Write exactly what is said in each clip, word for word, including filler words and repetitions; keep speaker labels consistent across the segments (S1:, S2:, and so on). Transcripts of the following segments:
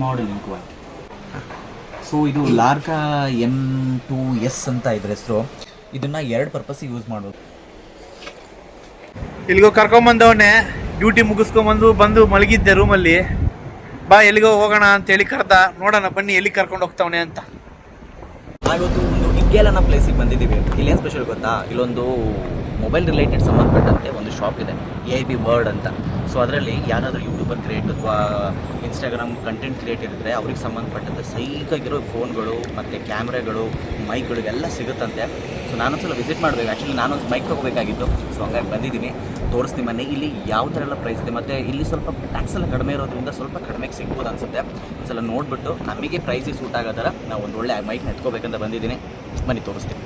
S1: Model ಇನ್ quality. So ಇದು ಲಾರ್ಕಾ M to S ಅಂತ ಇದ್ರ ಹೆಸರು. ಇದನ್ನು ಎರಡು ಪರ್ಪಸ್ಸಿಗೆ ಯೂಸ್ ಮಾಡ್ಬೋದು.
S2: ಇಲ್ಲಿಗೋ ಕರ್ಕೊಂಬಂದವನ್ನೇ ಡ್ಯೂಟಿ ಮುಗಿಸ್ಕೊಂಬಂದು ಬಂದು ಮಲಗಿದ್ದೆ ರೂಮಲ್ಲಿ. ಬಾ ಎಲ್ಲಿಗೋ ಹೋಗೋಣ ಅಂತೇಳಿ ಕರೆದ. ನೋಡೋಣ ಬನ್ನಿ ಎಲ್ಲಿ ಕರ್ಕೊಂಡು ಹೋಗ್ತಾವನೆ ಅಂತ.
S1: ನಾವಿವತ್ತು ಒಂದು ಇಗ್ಗೇಲ್ ಅನ್ನೋ ಪ್ಲೇಸಿಗೆ ಬಂದಿದ್ದೀವಿ. ಇಲ್ಲಿ ಏನು ಸ್ಪೆಷಲ್ ಗೊತ್ತಾ, ಇಲ್ಲೊಂದು ಮೊಬೈಲ್ ರಿಲೇಟೆಡ್ ಸಂಬಂಧಪಟ್ಟಂತೆ ಒಂದು ಶಾಪ್ ಇದೆ, ಎ ಐ ಬಿ ವರ್ಡ್ ಅಂತ. ಸೊ ಅದರಲ್ಲಿ ಯಾರಾದರೂ ಯೂಟ್ಯೂಬರ್ ಕ್ರಿಯೇಟ್ ಅಥವಾ ಇನ್ಸ್ಟಾಗ್ರಾಮ್ ಕಂಟೆಂಟ್ ಕ್ರಿಯೇಟರ್ ಇದ್ದರೆ ಅವ್ರಿಗೆ ಸಂಬಂಧಪಟ್ಟಂತೆ ಸೈಕಾಗಿರೋ ಫೋನ್ಗಳು ಮತ್ತು ಕ್ಯಾಮ್ರಾಗಳು, ಮೈಕ್ಗಳು ಎಲ್ಲ ಸಿಗುತ್ತಂತೆ. ಸೊ ನಾನೊಂದ್ಸಲ ವಿಸಿಟ್ ಮಾಡಬೇಕು. ಆ್ಯಕ್ಚುಲಿ ನಾನೊಂದು ಮೈಕ್ ತೊಗೋಬೇಕಾಗಿತ್ತು. ಸೊ ಹಂಗಾಗಿ ಬಂದಿದ್ದೀನಿ, ತೋರಿಸ್ತೀನಿ ಮನೆ ಇಲ್ಲಿ ಯಾವ ಥರ ಎಲ್ಲ ಪ್ರೈಸ್ ಇದೆ. ಮತ್ತು ಇಲ್ಲಿ ಸ್ವಲ್ಪ ಟ್ಯಾಕ್ಸ್ ಎಲ್ಲ ಕಡಿಮೆ ಇರೋದ್ರಿಂದ ಸ್ವಲ್ಪ ಕಡಿಮೆಗೆ ಸಿಗ್ಬೋದು ಅನಿಸುತ್ತೆ. ಒಂದ್ಸಲ ನೋಡಿಬಿಟ್ಟು ನಮಗೆ ಪ್ರೈಸಿಗೆ ಸೂಟ್ ಆಗೋ ಥರ ನಾವು ಒಂದು ಒಳ್ಳೆ ಮೈಕ್ನ ಎತ್ಕೋಬೇಕಂತ ಬಂದಿದ್ದೀನಿ. ಬನ್ನಿ ತೋರಿಸ್ತೀನಿ.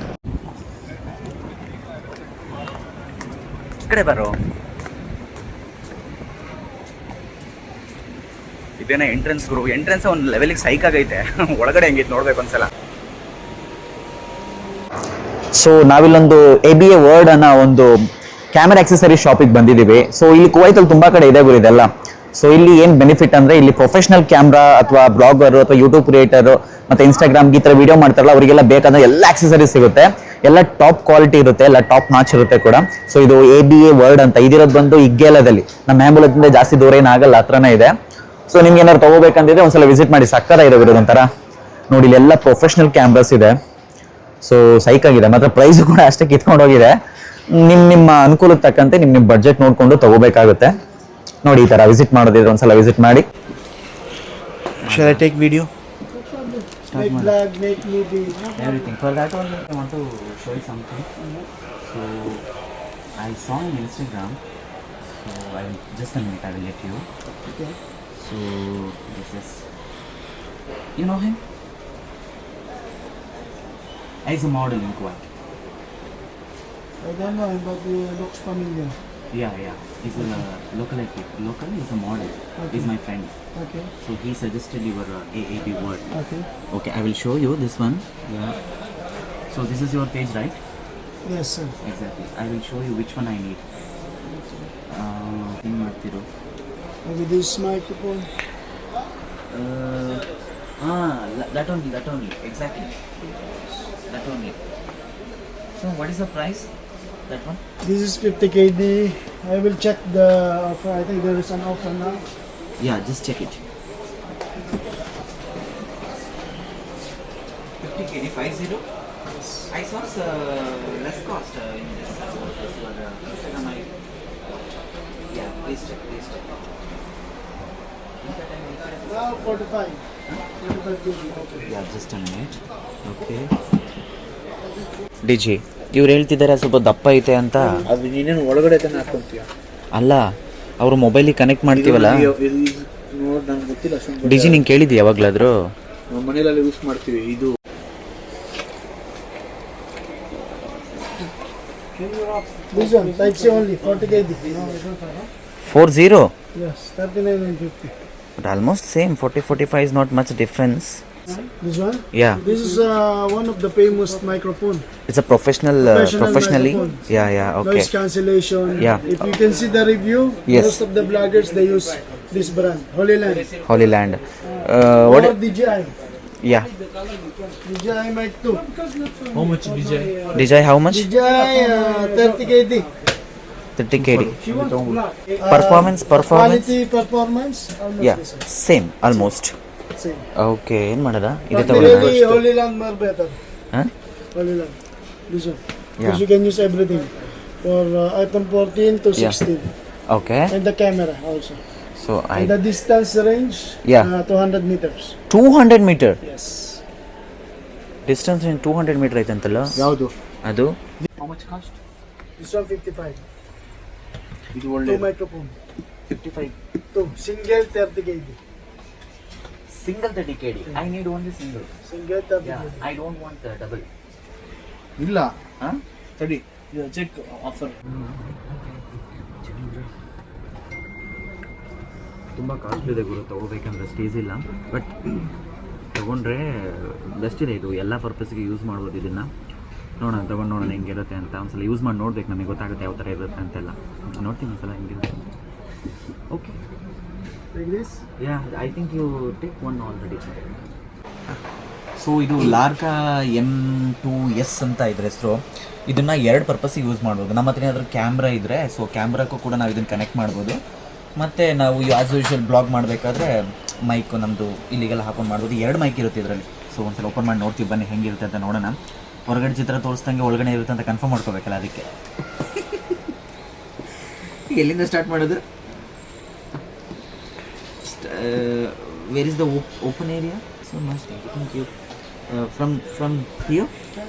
S1: ಈ ಕಡೆ ಬರೋ. ಇದೇನೇ ಎಂಟ್ರೆನ್ಸ್ ಗುರು. ಎಂಟ್ರೆನ್ಸ್ ಒಂದು ಲೆವೆಲಿಗೆ ಸೈಕ್ ಆಗೈತೆ. ಒಳಗಡೆ ಹೆಂಗಿತ್ತು ನೋಡ್ಬೇಕು ಒಂದ್ಸಲ. ಸೊ ನಾವಿಲ್ಲೊಂದು ಎ ಬಿ ಎ ವರ್ಡ್ ಅನ್ನೋ ಒಂದು ಕ್ಯಾಮೆರಾ ಆಕ್ಸೆಸರಿ ಶಾಪಿಗೆ ಬಂದಿದ್ದೀವಿ. ಸೊ ಇಲ್ಲಿ ಕುವೈತಲ್ಲಿ ತುಂಬಾ ಕಡೆ ಇದೆ ಗುರು ಇದೆಲ್ಲ. ಸೊ ಇಲ್ಲಿ ಏನು ಬೆನಿಫಿಟ್ ಅಂದರೆ ಇಲ್ಲಿ ಪ್ರೊಫೆಷನಲ್ ಕ್ಯಾಮ್ರಾ ಅಥವಾ ಬ್ಲಾಗರು ಅಥವಾ ಯೂಟ್ಯೂಬ್ ಕ್ರಿಯೇಟರು ಮತ್ತು ಇನ್ಸ್ಟಾಗ್ರಾಮ್ಗೆ ಈ ಥರ ವೀಡಿಯೋ ಮಾಡ್ತಾರಲ್ಲ ಅವರಿಗೆಲ್ಲ ಬೇಕಾದ ಎಲ್ಲ ಆಕ್ಸೆಸರೀಸ್ ಸಿಗುತ್ತೆ. ಎಲ್ಲ ಟಾಪ್ ಕ್ವಾಲಿಟಿ ಇರುತ್ತೆ, ಎಲ್ಲ ಟಾಪ್ ನಾಚ್ ಇರುತ್ತೆ ಕೂಡ. ಸೊ ಇದು ಎ ಬಿ ಎ ವರ್ಡ್ ಅಂತ ಇದಿರೋದು ಬಂದು ಇಗ್ಗೇಲದಲ್ಲಿ, ನಮ್ಮ ಹ್ಯಾಂಬುಲದಿಂದ ಜಾಸ್ತಿ ದೂರ ಏನಾಗಲ್ಲ, ಹತ್ರನೇ ಇದೆ. ಸೊ ನಿಮ್ಗೆ ಏನಾದ್ರು ತಗೋಬೇಕಂತಿದ್ರೆ ಒಂದ್ಸಲ ವಿಸಿಟ್ ಮಾಡಿ. ಸಕ್ಕರ ಇದೆ ಇರೋದು ಒಂಥರ. ನೋಡಿ ಇಲ್ಲಿ ಎಲ್ಲ ಪ್ರೊಫೆಷನಲ್ ಕ್ಯಾಮ್ರಾಸ್ ಇದೆ. ಸೊ ಸೈಕ್ ಆಗಿದೆ, ಮಾತ್ರ ಪ್ರೈಸ್ ಕೂಡ ಅಷ್ಟೇ ಕಿತ್ಕೊಂಡು ಹೋಗಿದೆ. ನಿಮ್ಮ ನಿಮ್ಮ ಅನುಕೂಲಕ್ಕೆ ತಕ್ಕಂತೆ ನಿಮ್ಮ ನಿಮ್ಮ ಬಡ್ಜೆಟ್ ನೋಡಿಕೊಂಡು ತಗೋಬೇಕಾಗುತ್ತೆ. ನೋಡಿ ಈ ಥರ ವಿಸಿಟ್ ಮಾಡೋದಿದ್ರೆ ಒಂದ್ಸಲ ವಿಸಿಟ್ ಮಾಡಿ.
S2: Shall I take video?
S3: Make vlog, make movie.
S1: Everything. For that one, I want to show you something. So I saw on Instagram. So I will just a minute. I will let you.
S3: Okay.
S1: So this is. You know him? He's a model in Kuwait.
S3: I don't know him, but he looks familiar.
S1: Yeah, yeah. He's a local. Local. He's a model.
S3: Okay.
S1: He's my friend.
S3: Okay.
S1: So he suggested your uh, A A B word.
S3: Okay.
S1: Okay, I will show you this one. Yeah. So this is your page, right?
S3: Yes, sir.
S1: Exactly. I will show you which one I need. Uh, ಏನು ಮಾಡ್ತಿರೋ?
S3: Maybe this microphone.
S1: Uh, ah, that only, that only. Exactly. That only. So what is the price? That one?
S3: This is fifty K D. I will check the offer. I think there is an offer now.
S1: Yeah, just check it. fifty K D, five zero. I saw uh, less cost uh, in this. Uh, this one, uh, Instagram. I, yeah, please check, please check.
S3: Now forty-five. Huh? forty-five K D. Okay.
S1: Yeah, just a minute. Okay. ಡಿಜಿ ಇವ್ರು ಹೇಳ್ತಿದ್ದಾರೆ ಸ್ವಲ್ಪ ದಪ್ಪ ಐತೆ ಅಂತ.
S2: ಅದು ನೀನೇನು ಒಳಗಡೆ ತಾನೆ ಹಾಕೊಂತೀಯ?
S1: ಅಲ್ಲ, ಅವರು ಮೊಬೈಲಿಗೆ ಕನೆಕ್ಟ್ ಮಾಡ್ತೀವಲ್ಲ.
S2: ನೋಡಿ ನಂಗೆ ಗೊತ್ತಿಲ್ಲ ಅಷ್ಟೊಂದು.
S1: ಡಿಜಿ ನಿಂಗೆ ಕೇಳಿದ್ಯಾ ಯಾವಾಗಲಾದರೂ?
S2: ನಮ್ಮ ಮನೇಲೆಲ್ಲ ಯೂಸ್ ಮಾಡ್ತೀವಿ. ಇದು
S3: This one, Type C only, forty K D. No, I don't have.
S1: Four zero.
S3: Yes, thirty-nine and fifty.
S1: But almost same. forty forty-five is not much difference.
S3: This one?
S1: Yeah.
S3: This is uh, one of the famous microphone.
S1: It's a professional, uh,
S3: Professional
S1: professionally.
S3: microphone.
S1: Yeah, yeah, okay.
S3: Noise cancellation.
S1: Yeah.
S3: If you can see the review,
S1: Yes.
S3: most of the bloggers they use this brand, Holy Land.
S1: Holy Land. Uh, what?
S3: Or D J I.
S1: Yeah.
S3: D J I mic two.
S2: how much D J?
S1: D J I how much?
S3: D J I uh, thirty K D.
S1: thirty K D.
S3: Uh,
S1: Performance, performance.
S3: Quality performance. Almost
S1: Yeah,
S3: the same.
S1: same, almost.
S3: Same.
S1: Okay, ಏನು ಮಾಡೋದ? ಇದೆ
S3: But
S1: ತಗೊಳ್ಳೋಣ.
S3: really, Holy Land more better.
S1: Huh?
S3: Holy Land. This one.
S1: Yeah.
S3: Because you can use everything. For uh, iPhone fourteen to
S1: Yeah.
S3: sixteen.
S1: Okay.
S3: And the camera also.
S1: So I
S3: And the distance range,
S1: Yeah.
S3: uh, two hundred meters.
S1: two hundred meter.
S3: Yes.
S1: Distance ಏನು two hundred meter ಐತಂತಲ್ಲ?
S2: ಯಾವುದು?
S1: ಅದು
S2: how much cost?
S3: This one fifty-five.
S2: ಇದು
S3: Two
S2: ಒಳ್ಳೆ
S3: microphone.
S2: fifty-five.
S3: Two. Single thirty K D.
S1: Single thirty K D. I need only single.
S3: Single thirty
S1: Yeah,
S3: K D.
S1: I don't want uh, double.
S2: ಇಲ್ಲ
S1: Huh?
S2: ತಡಿ check offer.
S1: ತುಂಬ costly ಇದೆ ಗುರು, ತೊಗೋಬೇಕಂದ್ರೆ stage ಇಲ್ಲ. But ತೊಗೊಂಡ್ರೆ best ಇದೆ. ಇದು ಎಲ್ಲ ಪರ್ಪಸ್ಗೆ ಯೂಸ್ ಮಾಡ್ಬೋದು ಇದನ್ನು. ನೋಡೋಣ, ತೊಗೊಂಡು ನೋಡೋಣ ಹೆಂಗಿರುತ್ತೆ ಅಂತ. ಒಂದ್ಸಲ ಯೂಸ್ ಮಾಡಿ ನೋಡ್ಬೇಕು, ನಮಗೆ ಗೊತ್ತಾಗುತ್ತೆ ಯಾವ ಥರ ಇರುತ್ತೆ ಅಂತೆಲ್ಲ. ನೋಡ್ತೀನಿ ಒಂದ್ಸಲ ಹೆಂಗಿರುತ್ತೆ. Okay.
S3: like this.
S1: I think you take one already. So ಇದು ಲಾರ್ಕಾ ಎಮ್ ಟು ಎಸ್ ಅಂತ ಇದ್ರ ಹೆಸರು. ಇದನ್ನು ಎರಡು ಪರ್ಪಸ್ಸಿಗೆ ಯೂಸ್ ಮಾಡ್ಬೋದು. ನಮ್ಮ ಹತ್ರ ಏನಾದರೂ ಕ್ಯಾಮ್ರಾ ಇದ್ದರೆ ಸೊ ಕ್ಯಾಮ್ರಾಕ್ಕೂ ಕೂಡ ನಾವು ಇದನ್ನು ಕನೆಕ್ಟ್ ಮಾಡ್ಬೋದು. ಮತ್ತು ನಾವು ಆ್ಯಸ್ ಯೂಶುವಲ್ ಬ್ಲಾಗ್ ಮಾಡಬೇಕಾದ್ರೆ ಮೈಕು ನಮ್ಮದು ಇಲ್ಲಿಗೆಲ್ಲ ಹಾಕೊಂಡು ಮಾಡ್ಬೋದು. ಎರಡು ಮೈಕ್ ಇರುತ್ತೆ ಇದರಲ್ಲಿ. ಸೊ ಒಂದ್ಸಲ ಓಪನ್ ಮಾಡಿ ನೋಡ್ತೀವಿ ಬನ್ನಿ ಹೆಂಗಿರುತ್ತೆ ಅಂತ ನೋಡೋಣ. ಹೊರಗಡೆ ಚಿತ್ರ ತೋರಿಸ್ದಂಗೆ ಒಳಗಡೆ ಇರುತ್ತೆ ಅಂತ ಕನ್ಫರ್ಮ್ ಮಾಡ್ಕೋಬೇಕಲ್ಲ, ಅದಕ್ಕೆ ಎಲ್ಲಿಂದ ಸ್ಟಾರ್ಟ್ ಮಾಡೋದು? Where is the open area? So must thank you. From from here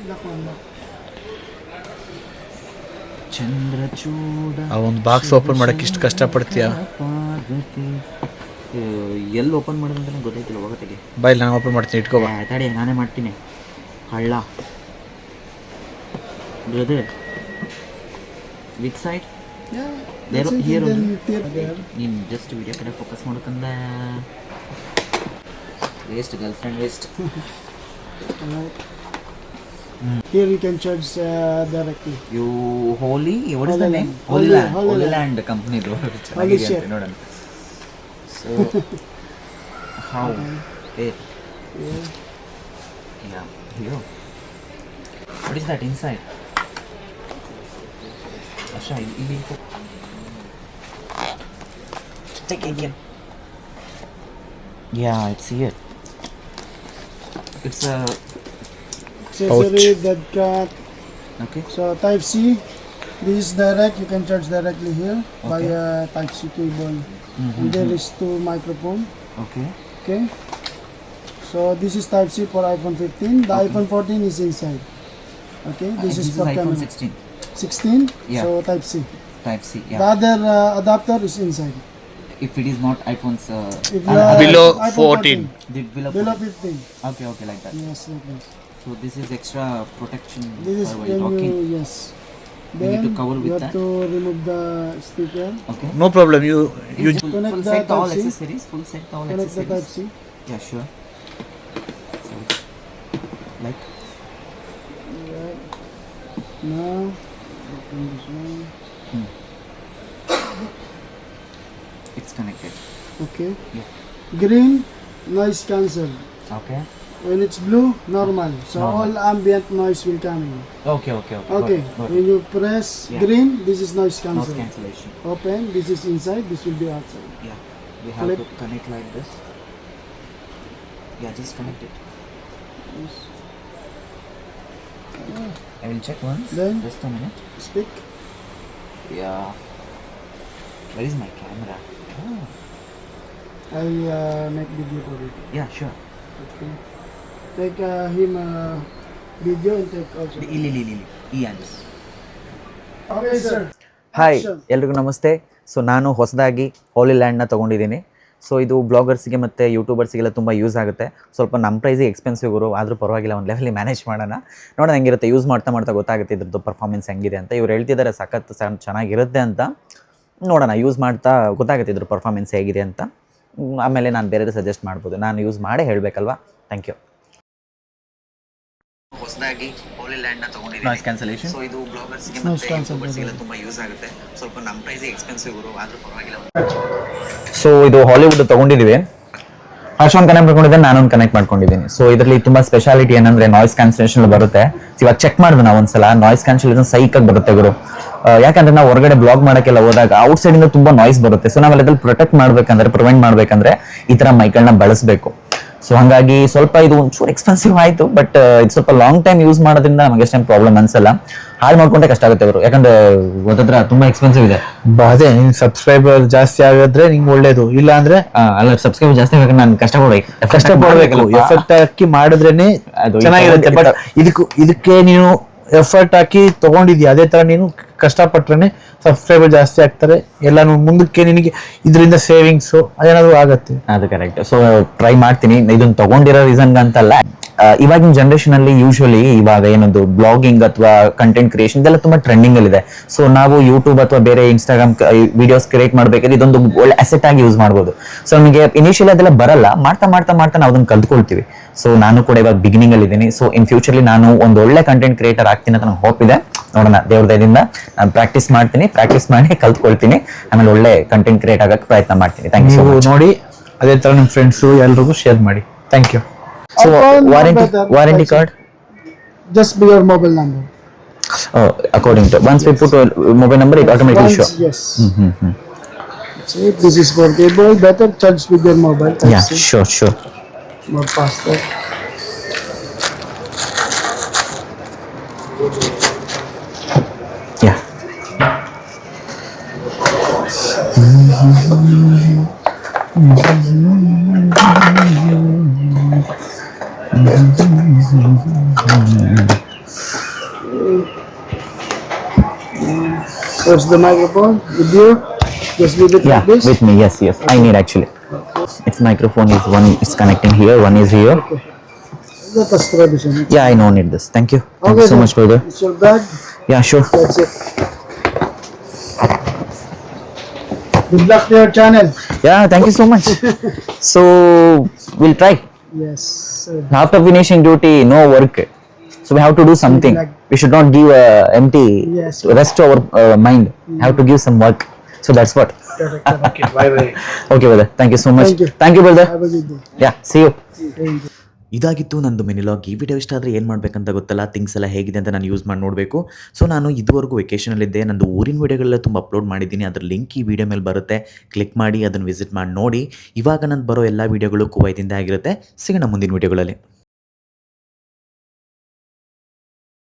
S1: Chandrachuda.
S2: ಆ ಒಂದು ಬಾಕ್ಸ್ ಓಪನ್ ಮಾಡಕ್ಕೆ ಇಷ್ಟು ಕಷ್ಟಪಡ್ತೀಯಾ?
S1: ಎಲ್ಲಿ ಓಪನ್ ಮಾಡೋದು ಅಂತ ನಂಗೆ ಗೊತ್ತಾಯ್ತಿಲ್ಲ. ಹೋಗತ್ತೆಗೆ
S2: ಬಾಯ್, ನಾನು ಓಪನ್ ಮಾಡ್ತೀನಿ, ಇಟ್ಕೋ ಬಾ.
S1: ತಡಿ, ನಾನೇ ಮಾಡ್ತೀನಿ. ಹಳ್ಳ brother, with side
S3: That's it,
S1: here
S3: then
S1: only.
S3: tape there.
S1: ನೀನು ಜಸ್ಟ್ ವಿಡಿಯೋ ಕಡೆ ಫೋಕಸ್ ಮಾಡೋಕಂದ waste, girlfriend waste.
S3: Alright. Here you can charge uh, directly.
S1: You holy, what is the
S3: Holy
S1: name?
S3: Land.
S1: Holy
S3: Holy-
S1: land.
S3: Holy
S1: holy
S3: Land.
S1: Land ಕಂಪ್ನಿದು ಚೆನ್ನಾಗಿದೆ
S3: ship.
S1: ಅಂತ ನೋಡೋಣ. ಸೊ ಹೌ ಏ
S3: Yeah.
S1: Yeah, here. What is that inside? Asha, ಇಲ್ಲಿ take it again. Yeah, it's here. It's a
S3: Accessory, dead cat.
S1: okay.
S3: So Type C. This is direct. You can charge directly here by
S1: Okay.
S3: a Type C cable.
S1: Mhm.
S3: And there is two microphone.
S1: Okay.
S3: Okay. So this is Type C for iPhone fifteen. The
S1: Okay.
S3: iPhone fourteen is inside. Okay. This
S1: Uh,
S3: is
S1: this
S3: for
S1: is iPhone
S3: camera.
S1: sixteen.
S3: sixteen.
S1: Yeah.
S3: So Type C.
S1: Type C.
S3: The
S1: Yeah.
S3: other uh, adapter is inside.
S1: If it is not iPhone's uh,
S3: If you
S1: uh,
S3: are
S2: Below
S3: iPhone
S2: fourteen.
S1: the below.
S3: Below fifteen.
S1: Okay, okay, like that.
S3: Yes, like this.
S1: So this is extra protection
S3: This is
S1: for while
S3: when
S1: talking.
S3: you yes.
S1: You
S3: Then
S1: need to cover with
S3: you have
S1: that?
S3: to remove the sticker.
S1: Okay.
S2: No problem. You you
S1: Full,
S3: Connect
S1: full
S3: the
S1: set all
S3: Type C.
S1: accessories. Full set all
S3: Connect the Type
S1: accessories.
S3: C.
S1: Yeah, sure. So, like
S3: Right. Now open this one.
S1: it's connected.
S3: Okay.
S1: Yeah.
S3: Green, noise cancel.
S1: Okay.
S3: When it's blue, normal. So
S1: Normal.
S3: all ambient noise will come in.
S1: Okay, okay, okay.
S3: Okay.
S1: Got it, got
S3: When
S1: it.
S3: you press
S1: Yeah.
S3: green, this is noise
S1: Noise
S3: cancel.
S1: cancellation.
S3: Open. This is inside. This will be outside.
S1: Yeah. We have
S3: Clip.
S1: to connect like this. Yeah, just connect it.
S3: Yes.
S1: I will check once.
S3: Then?
S1: Just a minute.
S3: Speak.
S1: Yeah. Where is my camera? Oh.
S3: I uh, make video for it.
S1: Yeah, sure.
S3: Okay. Take uh, him uh, video and take also.
S1: ಇಲ್ಲಿ ಇಲ್ಲಿ ಇಲ್ಲಿ ಈ ಆಂಜಸ್.
S3: Okay, sir.
S1: Hi,
S3: Action.
S1: ಎಲ್ರಿಗೂ ನಮಸ್ತೆ. So ನಾನು ಹೊಸದಾಗಿ ಹೋಲಿ ಲ್ಯಾಂಡ್ನ ತೊಗೊಂಡಿದ್ದೀನಿ. ಸೊ ಇದು ಬ್ಲಾಗರ್ಸಿಗೆ ಮತ್ತು ಯೂಟ್ಯೂಬರ್ಸಿಗೆಲ್ಲ ತುಂಬ ಯೂಸ್ ಆಗುತ್ತೆ. ಸ್ವಲ್ಪ ನಮ್ಮ ಪ್ರೈಸಿಗೆ ಎಕ್ಸ್ಪೆನ್ಸಿವ್ ಇರೋ ಆದರೂ ಪರವಾಗಿಲ್ಲ, ಒಂದು ಲೆವೆಲಿ ಮ್ಯಾನೇಜ್ ಮಾಡೋಣ. ನೋಡೋಣ ಹೆಂಗಿರುತ್ತೆ, ಯೂಸ್ ಮಾಡ್ತಾ ಮಾಡ್ತಾ ಗೊತ್ತಾಗುತ್ತೆ ಇದ್ರದ್ದು ಪರ್ಫಾರ್ಮೆನ್ಸ್ ಹೆಂಗಿದೆ ಅಂತ. ಇವ್ರು ಹೇಳ್ತಿದ್ದಾರೆ ಸಖತ್ ಚೆನ್ನಾಗಿರುತ್ತೆ ಅಂತ. ನೋಡೋಣ, ಯೂಸ್ ಮಾಡ್ತಾ ಗೊತ್ತಾಗುತ್ತೆ ಇದ್ರ ಪರ್ಫಾರ್ಮೆನ್ಸ್ ಹೇಗಿದೆ ಅಂತ. ಆಮೇಲೆ ನಾನು ಬೇರೆ ಸಜೆಸ್ಟ್ ಮಾಡ್ಬೋದು. ನಾನು ಯೂಸ್ ಮಾಡೇ ಹೇಳಬೇಕಲ್ವಾ. Thank you. ಹೊಸದಾಗಿ ಹೋಲಿ ಲ್ಯಾಂಡ್ನ ತೊಗೊಂಡಿದ್ದೀನಿ. Noise cancellation. ಸೊ ಇದು ಬ್ಲಾಗರ್ಸ್ಗೆ ಮತ್ತು ಯೂಟ್ಯೂಬರ್ಸ್ಗೆಲ್ಲ ತುಂಬ ಯೂಸ್ ಆಗುತ್ತೆ. ಸ್ವಲ್ಪ ನಮ್ಮ ಪ್ರೈಸಿಗೆ ಎಕ್ಸ್ಪೆನ್ಸಿವ್ ಇರೋ ಆದರೂ ಪರವಾಗಿಲ್ಲ. ಸೊ ಇದು ಹಾಲಿವುಡ್ ತೊಗೊಂಡಿದ್ದೀವಿ. ಹರ್ಷನ್ ಕನೆಕ್ಟ್ ಮಾಡ್ಕೊಂಡಿದ್ದೆ, ನಾನೊಂದು ಕನೆಕ್ಟ್ ಮಾಡ್ಕೊಂಡಿದ್ದೀನಿ. ಸೊ ಇದರಲ್ಲಿ ತುಂಬ ಸ್ಪೆಷಾಲಿಟಿ ಏನಂದ್ರೆ ನಾಯ್ಸ್ ಕ್ಯಾನ್ಸಲೇಷನ್ ಬರುತ್ತೆ. ಇವಾಗ ಚೆಕ್ ಮಾಡಿದ್ವಿ ನಾವು ಒಂದ್ಸಲ, ನಾಯ್ಸ್ ಕ್ಯಾನ್ಸಲೇಷನ್ ಸೈಕಾಗಿ ಬರುತ್ತೆ ಗುರು. ಯಾಕಂದ್ರೆ ನಾವು ಹೊರಗಡೆ ಬ್ಲಾಗ್ ಮಾಡೋಕ್ಕೆಲ್ಲ ಹೋದಾಗ ಔಟ್ ಸೈಡ್ ಇಂದ ತುಂಬಾ ನಾಯ್ಸ್ ಬರುತ್ತೆ. ಸೊ ನಾವೆಲ್ಲ ಅದ್ರಲ್ಲಿ ಪ್ರೊಟೆಕ್ಟ್ ಮಾಡ್ಬೇಕಂದ್ರೆ, ಪ್ರಿವೆಂಟ್ ಮಾಡ್ಬೇಕಂದ್ರೆ ಈ ತರ ಮೈಕ್ಗಳನ್ನ ಬಳಸಬೇಕು. ಸೊ ಹಾಗಾಗಿ ಸ್ವಲ್ಪ ಇದು ಒಂಚೂರು ಎಕ್ಸ್ಪೆನ್ಸಿವ್ ಆಯಿತು, ಬಟ್ ಇದು ಸ್ವಲ್ಪ ಲಾಂಗ್ ಟೈಮ್ ಯೂಸ್ ಮಾಡೋದ್ರಿಂದ ನಮಗೆ ಅಷ್ಟೇನು ಪ್ರಾಬ್ಲಮ್ ಅನ್ಸಲ್ಲ. ಹಾಳು ಮಾಡ್ಕೊಂಡೆ ಕಷ್ಟ ಆಗುತ್ತೆ ಅವರು, ಯಾಕಂದ್ರೆ ಗೊತ್ತತ್ರ ತುಂಬಾ ಎಕ್ಸ್ಪೆನ್ಸಿವ್ ಇದೆ.
S2: ಅದೇ ನಿನ್ ಸಬ್ಸ್ಕ್ರೈಬರ್ ಜಾಸ್ತಿ ಆಗಿದ್ರೆ ನಿಂಗೆ ಒಳ್ಳೇದು, ಇಲ್ಲ ಅಂದ್ರೆ
S1: ಅಲ್ಲ ಸಬ್ಸ್ಕ್ರೈಬರ್ ಜಾಸ್ತಿ ಬೇಕು, ನಾನು ಕಷ್ಟ ಪಡ್ಬೇಕು
S2: ಕಷ್ಟ ಪಡ್ಬೇಕು. ಎಫೆಕ್ಟ್ ಹಾಕಿ ಮಾಡಿದ್ರೇನೆ ಚೆನ್ನಾಗಿರುತ್ತೆ. ಬಟ್ ಇದಕ್ಕೂ ಇದಕ್ಕೆ ನೀನು ಎಫರ್ಟ್ ಹಾಕಿ ತಗೊಂಡಿದ್ಯಾ, ಅದೇ ತರ ನೀನು ಕಷ್ಟಪಟ್ರೆ ಸಬ್ಸ್ಕ್ರೈಬರ್ ಜಾಸ್ತಿ ಆಗ್ತಾರೆ. ಎಲ್ಲ ಮುಂದಕ್ಕೆ ನಿನಗೆ ಇದರಿಂದ ಸೇವಿಂಗ್ಸ್ ಅದೇನಾದ್ರು ಆಗತ್ತೆ.
S1: ಅದು ಕರೆಕ್ಟ್. ಸೊ ಟ್ರೈ ಮಾಡ್ತೀನಿ. ಇದನ್ನ ತಗೊಂಡಿರೋ ರೀಸನ್ ಅಂತಲ್ಲ, ಇವಾಗಿನ ಜನರೇಷನ್ ಅಲ್ಲಿ ಯೂಶುವಲಿ ಇವಾಗ ಏನೊಂದು ಬ್ಲಾಗಿಂಗ್ ಅಥವಾ ಕಂಟೆಂಟ್ ಕ್ರಿಯೇಷನ್ ಇದೆಲ್ಲ ತುಂಬಾ ಟ್ರೆಂಡಿಂಗ್ ಅಲ್ಲಿ ಇದೆ. ಸೊ ನಾವು ಯೂಟ್ಯೂಬ್ ಅಥವಾ ಬೇರೆ ಇನ್ಸ್ಟಾಗ್ರಾಮ್ ವಿಡಿಯೋಸ್ ಕ್ರಿಯೇಟ್ ಮಾಡ್ಬೇಕಾದ್ರೆ ಇದೊಂದು ಒಳ್ಳೆ ಅಸೆಟ್ ಆಗಿ ಯೂಸ್ ಮಾಡ್ಬೋದು. ಸೊ ನಮಗೆ ಇನಿಷಿಯಲಿ ಅದೆಲ್ಲ ಬರಲ್ಲ, ಮಾಡ್ತಾ ಮಾಡ್ತಾ ಮಾಡ್ತಾ ನಾವು ಅದನ್ನ ಕಲ್ತ್ಕೊಳ್ತೀವಿ. ಸೊ ನಾನು ಕೂಡ ಇವಾಗ ಬಿಗಿನಿಂಗ್ ಅಲ್ಲಿ ಇದ್ದೀನಿ. ಸೊ ಇನ್ ಫ್ಯೂಚರ್ಲಿ ನಾನು ಒಂದು ಒಳ್ಳೆ ಕಂಟೆಂಟ್ ಕ್ರಿಯೇಟರ್ ಆಗ್ತೀನಿ ಅಂತ ನಂಗೆ ಹೋಪ್ ಇದೆ. ನೋಡೋಣ ದೇವ್ರ ದಯದಿಂದ ನಾನು ಪ್ರಾಕ್ಟೀಸ್ ಮಾಡ್ತೀನಿ, ಪ್ರಾಕ್ಟೀಸ್ ಮಾಡಿ ಕಲ್ತ್ಕೊಳ್ತೀನಿ, ಆಮೇಲೆ ಒಳ್ಳೆ ಕಂಟೆಂಟ್ ಕ್ರಿಯೇಟ್ ಆಗಕ್ಕೆ ಪ್ರಯತ್ನ ಮಾಡ್ತೀನಿ. ಥ್ಯಾಂಕ್ ಯು ಸೊ
S2: ನೀವು
S1: ಮಚ್.
S2: ನೋಡಿ ಅದೇ ತರ ನಿಮ್ಮ ಫ್ರೆಂಡ್ಸು ಎಲ್ರಿಗೂ ಶೇರ್ ಮಾಡಿ. Thank you.
S1: So
S3: iPhone,
S1: warranty
S3: better.
S1: Warranty card
S3: Just be your mobile number.
S1: According to once we put a mobile number it automatically
S3: Once,
S1: show.
S3: yes. See, this is for cable. Better charge with your mobile.
S1: Yeah,
S3: Type C.
S1: sure, sure.
S3: More faster.
S1: Yeah.
S3: Where's the microphone? With you? Just leave it
S1: Yeah,
S3: like this.
S1: with me. Yes, yes. I need actually. Its microphone is one is connecting here, one is here.
S3: Let us try this one.
S1: Yeah, I don't need this. Thank you. Thank
S3: Okay,
S1: you so
S3: then.
S1: much, brother.
S3: It's your bag.
S1: Yeah, sure.
S3: That's it. Good luck to your channel.
S1: Yeah, thank you so much. So we'll try.
S3: Yes, sir.
S1: After finishing duty, no work. So we have to do something.
S3: like-
S1: We should not give uh, empty
S3: Yes.
S1: rest to our uh, mind. Have to give some work. So that's what.
S3: Correct, correct.
S2: Okay bye bye.
S1: Okay, brother. Thank you so much.
S3: Thank you.
S1: Thank you, brother.
S3: Have a good day.
S1: Yeah, see you.
S3: Thank you.
S4: ಇದಾಗಿತ್ತು ನಂದು ಮಿನಿಲಾಗ್. ಈ video ಇಷ್ಟ ಆದರೆ ಏನು ಮಾಡಬೇಕಂತ ಗೊತ್ತಲ್ಲ, things ಎಲ್ಲ ಹೇಗಿದೆ ಅಂತ ನಾನು ಯೂಸ್ ಮಾಡಿ ನೋಡಬೇಕು. ಸೊ ನಾನು ಇದುವರೆಗೂ ವೆಕೇಷನಲ್ಲಿದ್ದೆ, ನಂದು ಊರಿನ ವೀಡಿಯೋಗಳೆಲ್ಲ ತುಂಬ ಅಪ್ಲೋಡ್ ಮಾಡಿದ್ದೀನಿ. ಅದ್ರ ಲಿಂಕ್ ಈ ವಿಡಿಯೋ ಮೇಲೆ ಬರುತ್ತೆ, ಕ್ಲಿಕ್ ಮಾಡಿ ಅದನ್ನು ವಿಸಿಟ್ ಮಾಡಿ ನೋಡಿ. ಇವಾಗ ನಂದು ಬರೋ ಎಲ್ಲ ವೀಡಿಯೋಗಳು ಕುವೈತಿಂದ ಆಗಿರುತ್ತೆ. ಸಿಗೋಣ ಮುಂದಿನ ವೀಡಿಯೋಗಳಲ್ಲಿ.